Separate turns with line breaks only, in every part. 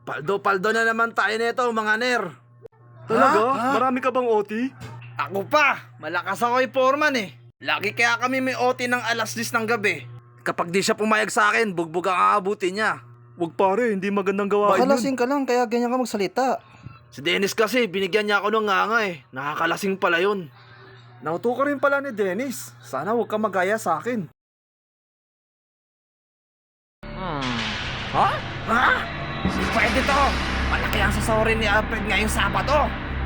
Paldo-paldo na naman tayo nito, mga ner.
Talaga?
Ha?
Marami ka bang OT?
Ako pa, malakas ako foreman eh. Lagi kaya kami may OT ng alas 10 ng gabi. Kapag di siya pumayag sa akin, bugbog ang aabutin niya.
Wag pare, hindi magandang gawain
Baka
yun.
lasing ka lang kaya ganyan ka magsalita.
Si Dennis kasi, binigyan niya ako ng nganga eh. Nakakalasing pala yun.
Nauto ka rin pala ni Dennis. Sana huwag ka magaya sa akin.
Ha? Ha? Pwede to. Malaki ang sasawarin ni Alfred ngayong Sabado.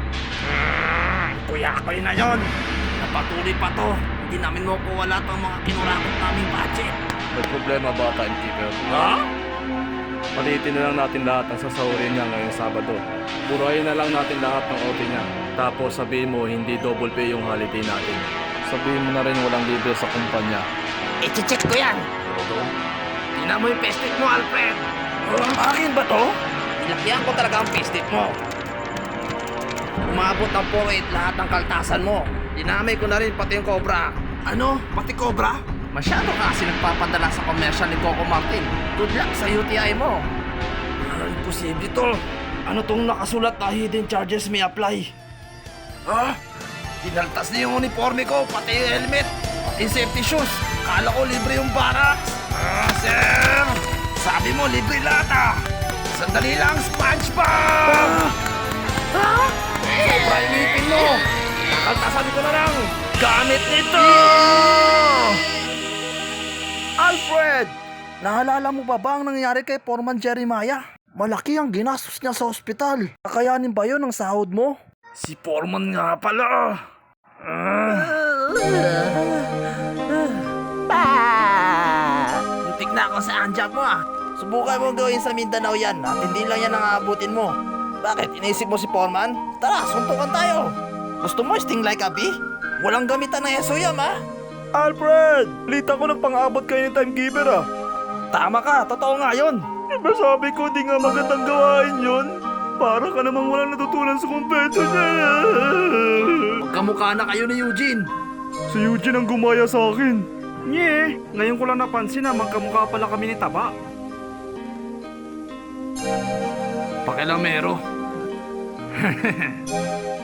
Kuya ko na yon. Napatuloy pa to. Hindi namin makuwala ang mga kinurakot naming budget.
May problema ba, timekeeper?
Ha?
Palitin na lang natin lahat ng sasahurin niya ngayong Sabado. Burahin na lang natin lahat ng OT niya. Tapos sabihin mo hindi double pay yung holiday natin. Sabihin mo na rin walang libre sa kumpanya.
I-check ko yan. Tingnan mo yung pestip mo, Alfred. Akin ba to? Nilakyan ko talaga ang pestip mo. Umabot ng 4-8 lahat ng kaltasan mo. Dinamay ko na rin pati yung Cobra. Ano? Pati Cobra? Masyado ka kasi nagpapadala sa commercial ni Coco Martin. Good luck sa UTI mo. Imposible to. Ano tong nakasulat na hidden charges may apply? Ha? Tinaltas niya yung uniforme ko, pati yung helmet, pati yung safety shoes. Kala ko libre yung barracks. Sir! Sabi mo libre lahat ah! Sandali lang, SpongeBob! Ha? Sobra yung ngipin mo! Nakaltasan ko na lang! Gamit nito!
Alfred! Naalala mo ba ang nangyari kay Foreman Jeremiah? Malaki ang ginastos niya sa ospital. Kakayanin ba yun ang sahod mo?
Si Foreman nga pala! Muntik na ako sa handjob mo ah! Subukan mo gawin sa Mindanao yan at hindi lang yan ang aabutin mo. Bakit? Iniisip mo si Foreman? Tara, suntukan tayo! Gusto mo sting like a bee? Walang gamitan ng SOYAM ah!
Alfred! Lita ko ng pang-abot kayo ni timekeeper ah.
Tama ka, totoo nga yun!
Diba sabi ko di nga magandang gawain yun? Para ka namang walang natutunan sa kumpeto niya.
Magkamukha na kayo ni Eugene!
Si Eugene ang gumaya sa akin. Nye, ngayon ko lang napansin na magkamukha pala kami ni Taba.
Pakilamero.